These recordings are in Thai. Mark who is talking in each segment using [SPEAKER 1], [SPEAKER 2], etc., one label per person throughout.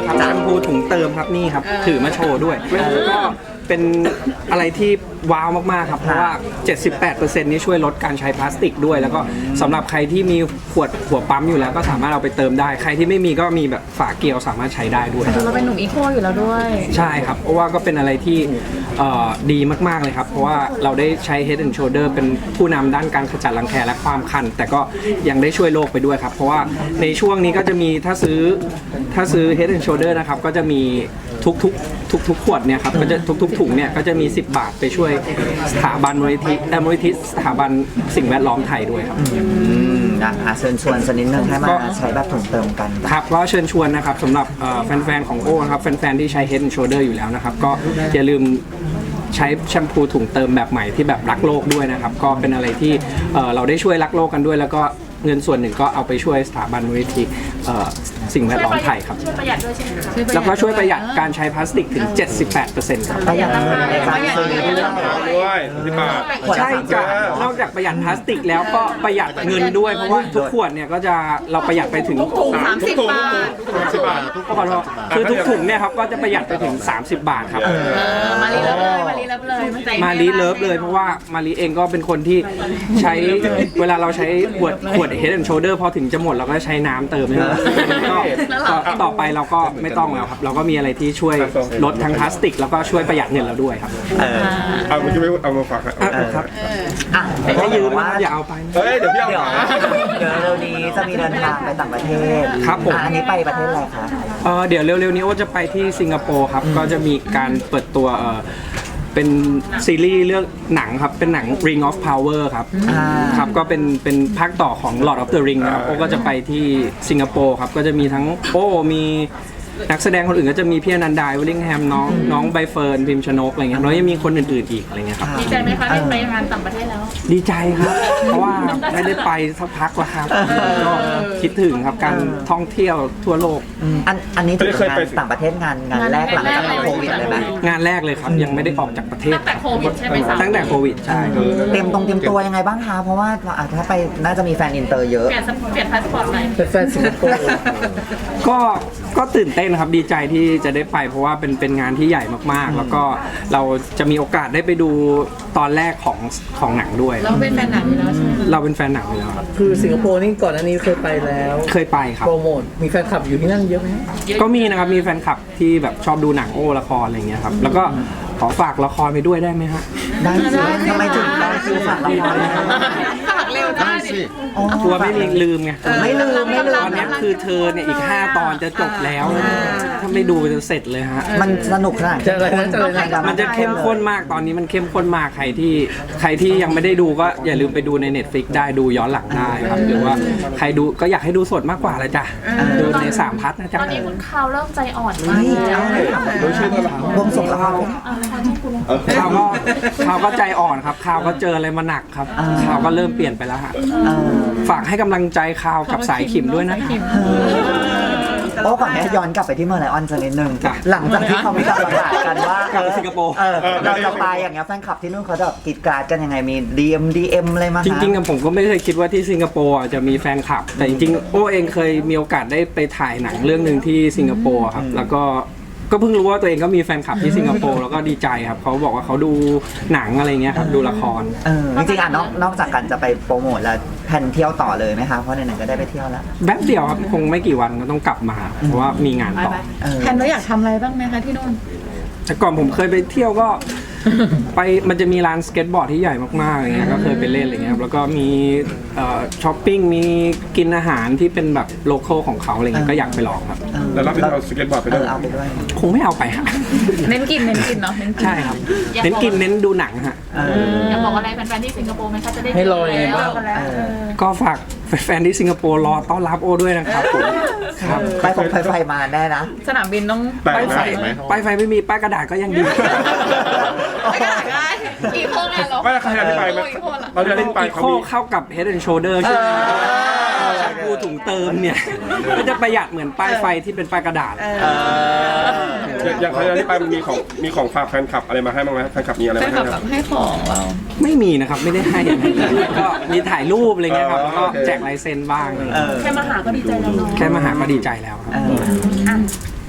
[SPEAKER 1] ครับแชมพูถุงเติมครับนี่ครับถือมาโชว์ด้วยก็เป็นอะไรที่ว้าวมากๆครับเพราะว่า 78% นี้ช่วยลดการใช้พลาสติกด้วยแล้วก็สำหรับใครที่มีขวดหัวปั๊มอยู่แล้วก็สามารถเอาไปเติมได้ใครที่ไม่มีก็มีแบบฝาเกลียวสามารถใช้ได้ด้วย
[SPEAKER 2] เราเป็นหนุ่มอีโคอยู่แล้วด้วย
[SPEAKER 1] ใช่ครับเพราะว่าก็เป็นอะไรที่ดีมากๆเลยครับเพราะว่าเราได้ใช้ Head and Shoulder เป็นผู้นำด้านการขจัดรังแคและความคันแต่ก็ยังได้ช่วยโลกไปด้วยครับเพราะว่าในช่วงนี้ก็จะมีถ้าซื้อ Head and Shoulder นะครับก็จะมีทุกขวดเนี่ยครับก็จะทุกถุงเนี่ยก็จะมี10 บาทไปช่วยสถาบันมูลนิธิสถาบันสิ่งแวดล้อมไทยด้วยครับ
[SPEAKER 3] นะคะเชิญชวนสักนิดนึงให้มาใช้แบบถุงเติมกัน
[SPEAKER 1] ครับก็เชิญชวนนะครับสำหรับแฟนๆของโอ้นะครับแฟนๆที่ใช้ Head and Shoulder อยู่แล้วนะครับก็อย่าลืมใช้แชมพูถุงเติมแบบใหม่ที่แบบรักโลกด้วยนะครับก็เป็นอะไรที่เราได้ช่วยรักโลกกันด้วยแล้วก็เงินส่วนหนึ่งก็เอาไปช่วยสถาบันมูลนิธิสิ่งแวดล้อมไทยครับ
[SPEAKER 4] ช่วยประหยัดด้วยใช่ไหมคะ
[SPEAKER 1] แล้วก็ช่วยประหยัดการใช้พลาสติกถึง 78% ครับ
[SPEAKER 3] ประหยัดเงินในการซื้อ
[SPEAKER 5] ด้วยที่มา
[SPEAKER 1] ใช่จ้ะนอกจากประหยัดพลาสติกแล้วก็ประหยัดเงินด้วยเพราะว่าทุกขวดเนี่ยก็จะเราประหยัดไปถึง
[SPEAKER 4] ถุง30 บาท
[SPEAKER 1] คือทุกถุงเนี่ยครับก็จะประหยัดไปถึง30 บาทครับ
[SPEAKER 4] มารีเลิฟเลยมารีเลิฟเลย
[SPEAKER 1] มารีเลิฟเลยเพราะว่ามารีเองก็เป็นคนที่ใช้เวลาเราใช้ขวด Head and Shoulder พอถึงจะหมดเราก็ใช้น้ำเติมนะก็ต่อไปเราก็ไม่ต้องแล้วครับเราก็มีอะไรที่ช่วยลดทั้งพลาสติกแล้วก็ช่วยประหยัดเงินเราด้วยครับ
[SPEAKER 5] เอาเมื่อกี้ไม่เอามาฝาก
[SPEAKER 1] ครับไม่ยืมอย่าเอาไป
[SPEAKER 5] เดี๋ยวพี่เอา
[SPEAKER 3] เร็วนี้จะมีเดินทางไปต่างประเทศ
[SPEAKER 1] ครับผม
[SPEAKER 3] อันนี้ไปประเทศอะไรคะ
[SPEAKER 1] เดี๋ยวเร็วๆนี้โอ้จะไปที่สิงคโปร์ครับก็จะมีการเปิดตัวเป็นซีรีส์เรื่องหนังครับเป็นหนัง Ring of Power ครับครับก็เป็นภาคต่อของ Lord of the Ring นะครับโอ้ก็จะไปที่สิงคโปร์ครับก็จะมีทั้งโอ้มีนักแสดงคนอื่นก็จะมีพี่อนันดาวิลลิงแฮมน้องใบเฟิร์นพิมชนกอะไรเงี้ยแล้วยังมีคนอื่นๆอีกอะไรเงี้ยครับ
[SPEAKER 4] ดีใจไหมคะได้ไปงานต่างประเทศแล้ว
[SPEAKER 1] ดีใจครับเพราะว่าไม่ได้ไปสักพักแล้วครับก็คิดถึงครับการท่องเที่ยวทั่วโลก
[SPEAKER 3] อันนี้ถือเป็นงานต่างประเทศงานแรกหลังจากโควิดเลยไหม
[SPEAKER 1] งานแรกเลยครับยังไม่ได้ออกจากประเทศ
[SPEAKER 4] ตั้งแต่โควิดใช่ไหม
[SPEAKER 1] ตั้งแต่โควิดใช่
[SPEAKER 3] เตรียมตัวยังไงบ้างคะเพราะว่าถ้าไปน่าจะมีแฟนอินเตอร์เยอะ
[SPEAKER 4] เปลี่ยนพาสปอร์ตใหม่
[SPEAKER 3] แฟนสิงคโปร์
[SPEAKER 1] ก็ตื่นเต้นครับดีใจที่จะได้ไปเพราะว่าเป็นงานที่ใหญ่มากๆแล้วก็เราจะมีโอกาสได้ไปดูตอนแรกของหนังด้วย
[SPEAKER 4] เราเป็นแฟนหนังอยู่แล้วใช่ไหม
[SPEAKER 1] เราเป็นแฟนหนังอยู่แล้วครับ
[SPEAKER 6] คือสิงคโปร์นี่ก่อนอันนี้เคยไปแล้ว
[SPEAKER 1] เคยไปครับ
[SPEAKER 6] โปรโมทมีแฟนคลับอยู่ที่นั่นเยอะไหม
[SPEAKER 1] ก็มีนะครับมีแฟนคลับที่แบบชอบดูหนังโอ้ละครอะไรเงี้ยครับแล้วก็ขอฝากละครไปด้วยได้ไหมฮะ
[SPEAKER 3] ได้สิทำไมถึงต้องซื้อฝากละคร
[SPEAKER 4] ฝากเร็วได้สิ
[SPEAKER 1] กลัวไม่มีลืมไง
[SPEAKER 3] ไม่ลืม
[SPEAKER 1] ตอนนี้คือเธอเนี่ยอีก5 ตอนจะจบแล้วถ้าไม่ดูจะเสร็จเลยฮะ
[SPEAKER 3] มันสนุกขนาด
[SPEAKER 1] มันจะเข้มข้นมากตอนนี้มันเข้มข้นมากใครที่ยังไม่ได้ดูก็อย่าลืมไปดูใน Netflix ได้ดูย้อนหลังได้ครับหรือว่าใครดูก็อยากให้ดูสดมากกว่าเลยจ้ะดูใน3 พาร์ทนะจ๊ะ
[SPEAKER 4] ตอนนี้คุณข่าวเริ่มใจอ่อนมาก
[SPEAKER 3] โดยชื่อวงส่งละคร
[SPEAKER 1] ข่าวก็ใจอ่อนครับข่าวก็เจออะไรมาหนักครับข่าวก็เริ่มเปลี่ยนไปแล้วฮะฝากให้กำลังใจข่าวกับสายขิมด้วยนะครับ
[SPEAKER 3] โอ้ก่อนนี้ย้อนกลับไปที่เมอร์ไลออนสักนิดนึงหลังจากที่เขามีการประกาศกันว่า
[SPEAKER 1] สิงคโปร์
[SPEAKER 3] เราจะไปอย่างเงี้ยแฟนคลับที่นู่นเขาจะกรีดกราดกันยังไงมี DM อะไรมา
[SPEAKER 1] จริงๆผมก็ไม่เคยคิดว่าที่สิงคโปร์จะมีแฟนคลับแต่จริงๆโอ้เองเคยมีโอกาสได้ไปถ่ายหนังเรื่องนึงที่สิงคโปร์ครับแล้วก็เพิ่งรู้ว่าตัวเองก็มีแฟนคลับที่สิงคโปร์แล้วก็ดีใจครับเขาบอกว่าเขาดูหนังอะไรเงี้ยครับดูละคร
[SPEAKER 3] จริงๆนอกจากกันจะไปโปรโมทแล้วแผนเที่ยวต่อเลยไหมคะเพราะไหนๆก็ได้ไปเที่ยวแล้ว
[SPEAKER 1] แป๊บเดียวครับคงไม่กี่วันก็ต้องกลับมาเพราะว่ามีงานต่อ
[SPEAKER 4] แผนเราอยากทำอะไรบ้างไหมคะที่นู่น
[SPEAKER 1] แต่ก่อนผมเคยไปเที่ยวก็ไปมันจะมีร้านสเก็ตบอร์ดที่ใหญ่มากๆอะไรเงี้ยก็เคยไปเล่นอะไรเงี้ยแล้วก็มีช้อปปิ้งมีกินอาหารที่เป็นแบบโลคอลของเขาอะไรเงี้ยก็อยากไปลองครับ
[SPEAKER 5] แล้วเราไปเอาสเก็ตบอร์ดไปด้วย
[SPEAKER 1] คงไม่เอาไปครับ
[SPEAKER 4] เน้นกินเนาะ
[SPEAKER 1] ใช่ครับเน้นกินเน้นดูหนังฮะ
[SPEAKER 4] อยากบอกอะไรแฟนๆที่สิงคโปร์ไหมคะจะได้
[SPEAKER 6] ให้รอยังไงบ้าง
[SPEAKER 1] ก็ฝากแฟนๆที่สิงคโปร์รอต้อนรับโอ้ด้วยนะครับผม
[SPEAKER 3] ครับไปไฟมาแน่นะ
[SPEAKER 4] สนามบินต้อง
[SPEAKER 5] ป้ายไฟไหม
[SPEAKER 1] ป้ายไฟไม่มีป้ายกระดาษก็ยังดี
[SPEAKER 4] อีโคไงเรา
[SPEAKER 5] ไม่ใครจะไปไหมเราจะเล่นไป
[SPEAKER 1] เขาเข้ากับ Head and Shoulder ใช่ไหมแชมพูถุงเติมเนี่ยก็จะประหยัดเหมือนป้ายไฟที่เป็นป้ายกระดาษ
[SPEAKER 5] อย่างเขาจะที่ไปมีของฝากแฟนคลับอะไรมาให้บ้างไหมแฟนคลับมีอะไรมาให้ครับ
[SPEAKER 4] ให้ของเรา
[SPEAKER 1] ไม่มีนะครับไม่ได้ให้ก็มีถ่ายรูปอะไรเงี้ยครับแล้วก็แจกลายเซ็นบ้าง
[SPEAKER 4] แค่มาหาก็ดีใจแล้วเนาะ
[SPEAKER 1] แค่มาหาก็ดีใจแล้วครับ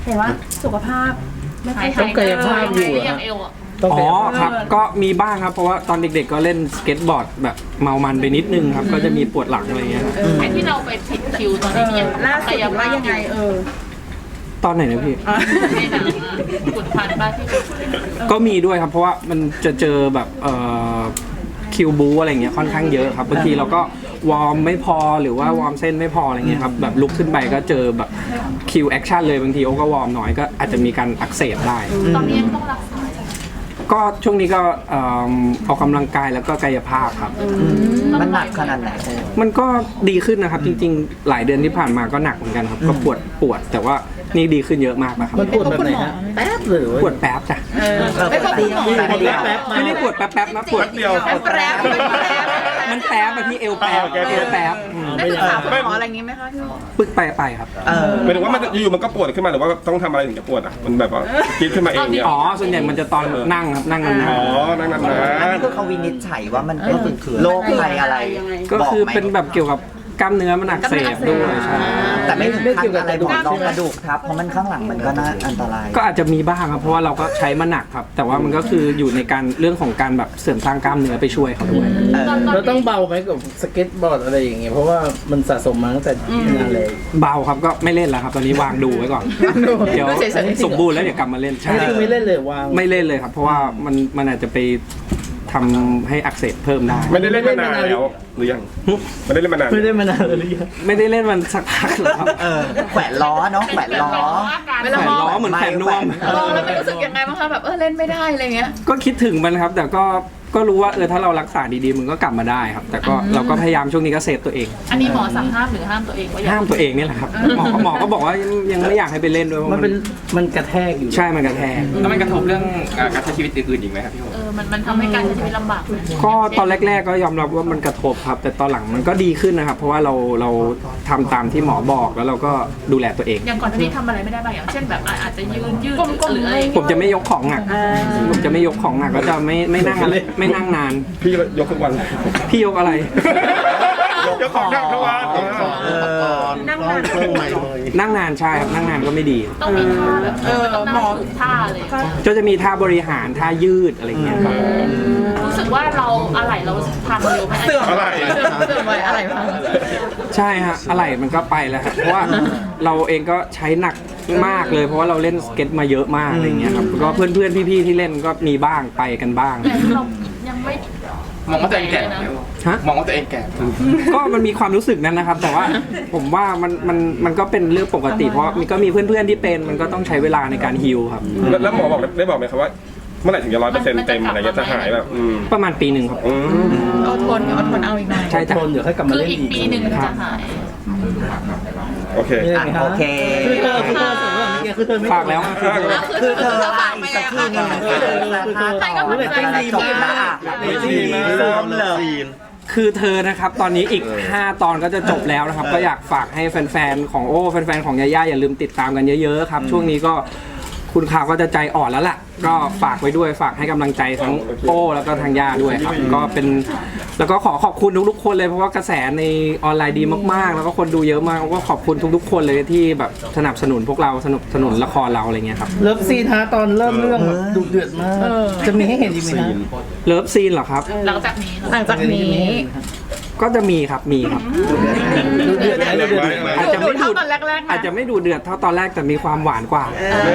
[SPEAKER 2] เห็นว่าสุขภาพไม่ค่อย
[SPEAKER 6] ต้องกายภาพอยู่
[SPEAKER 4] อย่างเอวอ่ะ
[SPEAKER 6] ต้อง
[SPEAKER 1] อ๋
[SPEAKER 6] ไป
[SPEAKER 1] อครับก็มีบ้างครับเพราะว่าตอนเด็กๆก็เล่นสเก็ตบอร์ดแบบเมามันไปนิดนึงครับก็จะมีปวดหลังอะไรเงี้ยครับ
[SPEAKER 4] ไอ้ที่เราไปผิดคิวตอนนี้ยัง
[SPEAKER 2] ล่าสุดว่ายังไง
[SPEAKER 1] ตอนไหนนะพี่
[SPEAKER 4] ในหนังขุนพันธ์บ้านที่
[SPEAKER 1] ก็มีด้วยครับเพราะว่ามันจะเจอแบบคิวบูอะไรเงี้ยค่อนข้างเยอะครับบางทีเราก็วอร์มไม่พอหรือว่าวอร์มเส้นไม่พออะไรเงี้ยครับแบบลุกขึ้นไปก็เจอแบบคิวแอคชั่นเลยบางทีโอ้ก็วอร์มน้อยก็อาจจะมีการอักเสบได้
[SPEAKER 4] ตอนนี้ยังต้องรักษา
[SPEAKER 1] ก็ช่วงนี้ก็ออกกำลังกายแล้วก็กายภาพครับ
[SPEAKER 3] มันหนักขนาดไหน
[SPEAKER 1] มันก็ดีขึ้นนะครับจริงๆหลายเดือนที่ผ่านมาก็หนักเหมือนกันครับก็ปวดแต่ว่านี่ดีขึ้นเยอะมากนะครับ
[SPEAKER 6] มันปวดแบบไหนฮะแป๊บหรือว่า
[SPEAKER 1] ปวดแป๊บจ้ะ
[SPEAKER 3] ไม่ปกติแต่เดียว
[SPEAKER 1] ไม่ได้ปวดแป๊บๆนะปวด
[SPEAKER 5] เดียว
[SPEAKER 2] แปรบ
[SPEAKER 1] มันแป๊บอะพี่เอวแป๊บเอวแป๊บ
[SPEAKER 2] ได้ปรึกษาคุณหมออะไรอย่างงี้ไหมคะพี่โอ
[SPEAKER 1] ปึ๊กไปครับ
[SPEAKER 5] หมายถึงว่ามันอยู่ๆมันก็ปวดขึ้นมาหรือว่าต้องทำอะไรถึงจะปวดอ่ะมันแบบว่าคิดขึ้นมาเองเนี่ย
[SPEAKER 1] อ๋อส่วนใหญ่มันจะตอนนั่งครับนั่งนาน
[SPEAKER 5] อ๋อนั่งนาน
[SPEAKER 3] อันนี้คือเขาวินิจฉัยว่ามันเป็นโรคภัยอะไร
[SPEAKER 1] ๆก็คือเป็นแบบเกี่ยวกับกล้ามเนื้อมันอักเสบด้วยใช่
[SPEAKER 3] แต่ไม่ถึงขั้นอะไรบอกรองกระดูกทับเพราะมันข้างหลังมันก็น่าอันตราย
[SPEAKER 1] ก็อาจจะมีบ้างครับเพราะว่าเราก็ใช้มาหนักครับ แต่ว่ามันก็คืออยู่ในการเรื่องของการแบบเสริมสร้างกล้ามเนื้อไปช่วยเขาด้วย
[SPEAKER 6] เราต้องเบาไหมกับสเก็ตบอร์ดอะไรอย่างเงี้ยเพราะว่ามันสะสมมาตั้งแต่นานเลย
[SPEAKER 1] เบาครับก็ไม่เล่นแล้วครับตอนนี้วางดูไว้ก่อนเดี๋ยวสมบูรณ์แล้วเดี๋ยวกลับมาเล่น
[SPEAKER 6] อัน
[SPEAKER 1] ใช่
[SPEAKER 6] นี้คือไม่เล่นเลยวาง
[SPEAKER 1] ไม่เล่นเลยครับเพราะว่ามันอาจจะไปทำให้อักเสบเพิ่มได้
[SPEAKER 5] ๆไม่ได้เล่นมานานแล้วหรือยังไม่ได้เล่นมานาน
[SPEAKER 6] ไม่ได้มานานเลยหรือยัง
[SPEAKER 1] ไม่ได้เล่นมันสักพักแล้วครับ
[SPEAKER 3] แขวนล้อเนาะแขวนล้อ
[SPEAKER 4] เว
[SPEAKER 1] แข
[SPEAKER 4] ลา
[SPEAKER 1] วนล้อเหมือนแขวนนวม
[SPEAKER 2] มองแล้วไม่รู้สึกยังไงบ้างคะแบบเล่นไม่ได้อะไรเงี้ย
[SPEAKER 1] ก็คิดถึงมันครับ แต่ก็รู้ว่าถ้าเรารักษาดีๆมันก็กลับมาได้ครับ แต่ก็เราก็พยายามช่วงนี้ก็เซฟตัวเอง
[SPEAKER 4] อันนี้หมอสั่งห้ามหรือห้ามตัวเองว่าอย่า
[SPEAKER 1] ห้ามตัวเองนี่แหละครับหมอก็บอกว่ายังไม่อยากให้ไปเล่นด้วยเพราะ
[SPEAKER 6] มันกระแทกอยู่
[SPEAKER 1] ใช่มันกระแทก
[SPEAKER 7] แล้วมันกระทบเรื่องการใช้ชีวิตอื่นๆอีกไหมครับพี่โอ
[SPEAKER 4] มันทำให้การใช้ชีวิตลำบากไหม
[SPEAKER 1] ก็ตอนแรกๆก็ยอมรับว่ามันกระทบครับ แต่ตอนหลังมันก็ดีขึ้นนะครับ เพราะว่าเราทำตามที่หมอบอกแล้วเราก็ดูแลตัวเอง
[SPEAKER 4] อย่างก่อนหน้านี้ทำอะไรไม่ได้บางอย่างเช่นแบบอาจจะยืนยืดหรืออะไร
[SPEAKER 1] ผมจะไม่ยกของหนักผมจะไม่ยกของหนักก็จะไม่นั่งไม่นั่งนาน
[SPEAKER 5] พี่ยกทุกวัน
[SPEAKER 1] พี่ยกอะไร
[SPEAKER 5] ยกของหนักทุกวัน
[SPEAKER 2] นั่งนาน
[SPEAKER 1] นั่งนานใช่ครับนั่งนานก็ไม่ดี
[SPEAKER 4] ต้องมีท่าแบบต้องนั่งถูกท่าเลย
[SPEAKER 1] ก็จะมีท่าบริหารท่ายืดอะไรเงี้ยครับ
[SPEAKER 4] รู้สึกว่าเราอะไรเราพังเร็วไหม
[SPEAKER 2] เสื่อม
[SPEAKER 5] อะไร
[SPEAKER 2] เสื่อมไว้อะไรบ้าง
[SPEAKER 1] ใช่ฮะอะไรมันก็ไปแล้วครับเพราะว่าเราเองก็ใช้หนักมากเลย เพราะว่าเราเล่นสเก็ตมาเยอะมากอะไรเงี้ยครับก็เพื่อนๆพี่ๆที่เล่นก็มีบ้างไปกันบ้าง
[SPEAKER 4] แต่เรายังไม่
[SPEAKER 7] มองว่าตัวเองแก่ไหมพี่โอ
[SPEAKER 1] ฮะ
[SPEAKER 7] มองว่าตัวเองแก่
[SPEAKER 1] ก็มันมีความรู้สึกนั้นนะครับ แต่ว่าผมว่ามันก็เป็นเรื่องปกติ เพราะมีก็มีเพื่อนๆที่เป็นมันก็ต้องใช้เวลาในการฮีลครับ
[SPEAKER 5] แล้วหมอได้บอกไหมครับว่าเมื่อไหร่ถึงจะ100%เต็มอะไรเงี้ยจะหายแบบ
[SPEAKER 1] ประมาณปีหนึ่งครับ
[SPEAKER 2] อดทนเอาอีกหน่อย
[SPEAKER 1] ใช่จ้ะ
[SPEAKER 6] ทนเดี๋ยวค่อยกลับมา
[SPEAKER 4] คือ
[SPEAKER 6] เล่น
[SPEAKER 4] อีก
[SPEAKER 6] อีก
[SPEAKER 4] ปีหนึ่งจะหาย
[SPEAKER 5] โอเค
[SPEAKER 6] นี่ไงครับ
[SPEAKER 3] โอเค
[SPEAKER 6] คือเธอสมมติว่าเมื่อกี้คือเธอไม่
[SPEAKER 1] ฝากแล้ว
[SPEAKER 3] คือเธออีกสักทีหนึงถ้าต่อจะจบละเริ่มเลย
[SPEAKER 1] คือเธอนะครับตอนนี้อีก 5 ตอนก็จะจบแล้วนะครับ ก็อยากฝากให้แฟนๆของโอ้แฟนๆของยาย่าอย่าลืมติดตามกันเยอะๆครับช่วงนี้ก็คุณข่าวก็จะใจอ่อนแล้วล่ะก็ฝากไว้ด้วยฝากให้กำลังใจทั้งโอ้แล้วก็ทางย่าด้วยครับก็เป็นแล้วก็ขอบคุณทุกๆคนเลยเพราะว่ากระแสในออนไลน์ดีมากๆ แล้วก็คนดูเยอะมากก็ขอบคุณทุกๆคนเลยที่แบบสนับสนุนพวกเราสนับสนุนละครเราอะไรเงี้ยครับ
[SPEAKER 6] เลิฟซีนฮะตอนเริ่มเรื่องแบบดุเดือดมากจะมีให้เห็นอีกไหมฮะ
[SPEAKER 1] เลิฟซีนเหรอครับ
[SPEAKER 4] หลังจากนี้
[SPEAKER 2] หลังจากนี้
[SPEAKER 1] ก็จะมีครับมีครับ
[SPEAKER 6] ดุเดือดไหมดุเดือดไหม
[SPEAKER 1] อาจจะไม่ดู
[SPEAKER 2] ตอนแรกๆ
[SPEAKER 1] อาจจะไม่ดูเดือดเท่าตอนแรกแต่มีความหวานกว่า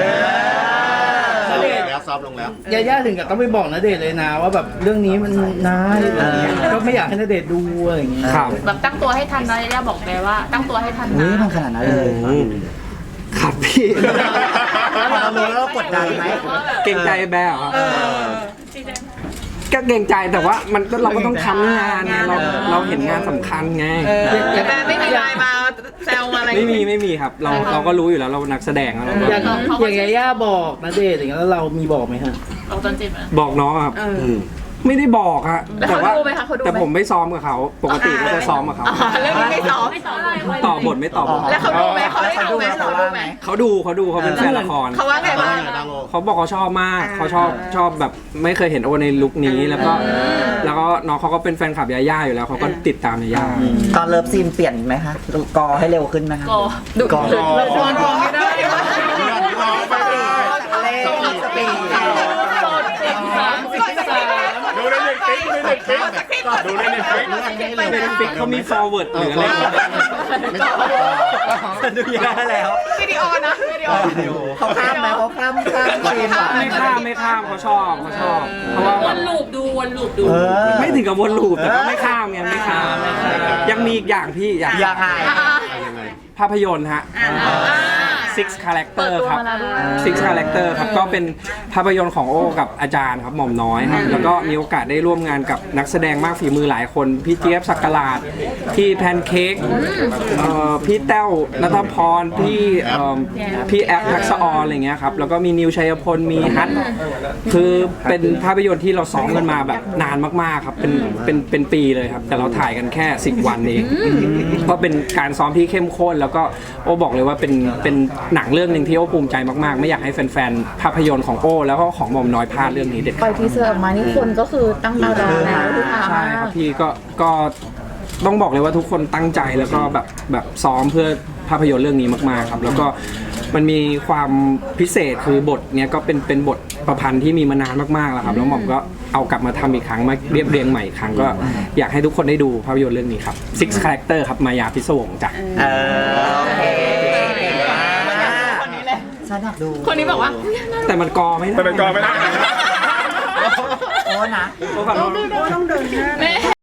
[SPEAKER 8] แล้วซอฟลงแล้ว
[SPEAKER 6] ยาย่าถึงกับต้องไปบอกณเดชน์เลยนะว่าแบบเรื่องนี้มันน้ายอะไรเงี้ยก็ไม่อยากให้ณเดชน์ดูอะไรอย่างเงี้ย
[SPEAKER 1] ครับ
[SPEAKER 4] แบบตั้งตัวให้ทันนะย่าบอกไปว่าตั้งตัวให้ทัน
[SPEAKER 3] อุ้ย
[SPEAKER 4] นะ
[SPEAKER 3] มันขนาดนั้นเลย
[SPEAKER 1] ครับพี่
[SPEAKER 3] พอเรารู้แล้วเรากดดันไหม
[SPEAKER 1] เกรงใจแบร์เหรอก็เกรงใจแต่ว่ามันก็เราก็ต้องทำงานไงเราเห็นงานสำคัญไง
[SPEAKER 2] แต่ไม่มีไลน์มาแซวมาอะไร
[SPEAKER 1] ไม่มีครับเราก็รู้อยู่แล้วเรานักแสดงแล้วเราก็
[SPEAKER 6] อย่างยาย่าบอกณเดชน์อย่างเงี้ยแล้วเรามีบอกไหมฮะ
[SPEAKER 4] เอาตอนจิบอ่ะ
[SPEAKER 1] บอกน้องครับไม่ได้บอกฮะ
[SPEAKER 2] แล้วเขาดูไหมคะเขาดูไหม
[SPEAKER 1] แต่ผมไม่ซ้อมกับเขาปกติก็จะซ้อมกับเขา
[SPEAKER 2] เรื่องนี้ไม่ซ้อม
[SPEAKER 1] ต่อบทไม่ต่อบท
[SPEAKER 2] แล้วเขาดูไหมเขาได้ดูไหมเขาดูไหม
[SPEAKER 1] เขาดูเขาเป็นแฟนละคร
[SPEAKER 2] เขาว่าไงบ้าง
[SPEAKER 1] เขาบอกเขาชอบมากเขาชอบแบบไม่เคยเห็นโอในลุคนี้แล้วก็น้องเขาก็เป็นแฟนคลับยาย่าอยู่แล้วเขาก็ติดตามยาย่า
[SPEAKER 3] ตอนเลิฟซีนเปลี่ยนไหมคะกอให้เร็วขึ้นไหมคะ
[SPEAKER 4] ก็
[SPEAKER 3] กอ
[SPEAKER 2] ละครกองไม่ได้
[SPEAKER 8] พี่วัน
[SPEAKER 3] ปี
[SPEAKER 5] ดูในเน็ตฟิกดูในเน็ตฟิก
[SPEAKER 1] เป็นฟิกเขามี forward หรืออะไรครับ
[SPEAKER 3] ดูแย่แล้ว
[SPEAKER 2] วิดีโอนะวิดีโอ
[SPEAKER 3] เขาข้ามไหมเขาข้ามซีน
[SPEAKER 1] ไม่ข้ามเขาชอบเพราะว่า
[SPEAKER 4] วนลูปดู
[SPEAKER 1] ไม่ถึงกับวนลูปแต่ก็ไม่ข้ามไงไม่ข้ามยังมีอีกอย่างพี่อยาก
[SPEAKER 3] ยังไง
[SPEAKER 1] ภาพยนตร์ฮะ Six Character ครับ Six Character ครับก็เป็นภาพยนตร์ของโอ้กับอาจารย์ครับหม่อมน้อยครับแล้วก็มีโอกาสได้ร่วมงานกับนักแสดงมากฝีมือหลายคนพี่เจี๊ยบศักราชพี่แพนเค้กพี่แต้วณัฐพรพี่แอฟทักษะออนอะไรเงี้ยครับแล้วก็มีนิวชัยพลมีฮัทคือเป็นภาพยนตร์ที่เราซ้อมกันมาแบบนานมากๆครับเป็นปีเลยครับแต่เราถ่ายกันแค่10 วันเองก็เป็นการซ้อมที่เข้มข้นแล้วก็โอ้บอกเลยว่าเป็นหนังเรื่องหนึ่งที่โอ้ภูมิใจมากๆไม่อยากให้แฟนๆภาพยนตร์ของโอ้แล้วก็ของหม่อมน้อยพลาดเรื่องนี้เด็ด
[SPEAKER 2] ปล่
[SPEAKER 1] ขา
[SPEAKER 2] อย
[SPEAKER 1] ด
[SPEAKER 2] ทีเซอร์ออกมานี่คนก็คือตั้งตารอแล้วทุกครั้ง
[SPEAKER 1] ใช่ครับพี่ก็ต้องบอกเลยว่าทุกคนตั้งใจแล้วก็แบบซ้อมเพื่อภาพยนตร์เรื่องนี้มากๆครับแล้วก็มันมีความพิเศษคือบทเนี้ยก็เป็นบทประพันธ์ที่มีมานานมากๆแล้วครับแล้วหม่อมก็เอากลับมาทำอีกครั้งมาเรียบเรียงใหม่อีกครั้งก็อยากให้ทุกคนได้ดูภาพยนตร์เรื่องนี้ครับ Six Character ครับมายาพิศวงจ้ะ
[SPEAKER 3] โอเคฉันอยากดู
[SPEAKER 2] คนนี้บอกว่า
[SPEAKER 1] แต่มันกอไม่ได้
[SPEAKER 5] แต่เป็นกอไม่ได้
[SPEAKER 3] โอ้นะ
[SPEAKER 1] โอ้ขอโทษ
[SPEAKER 2] แม่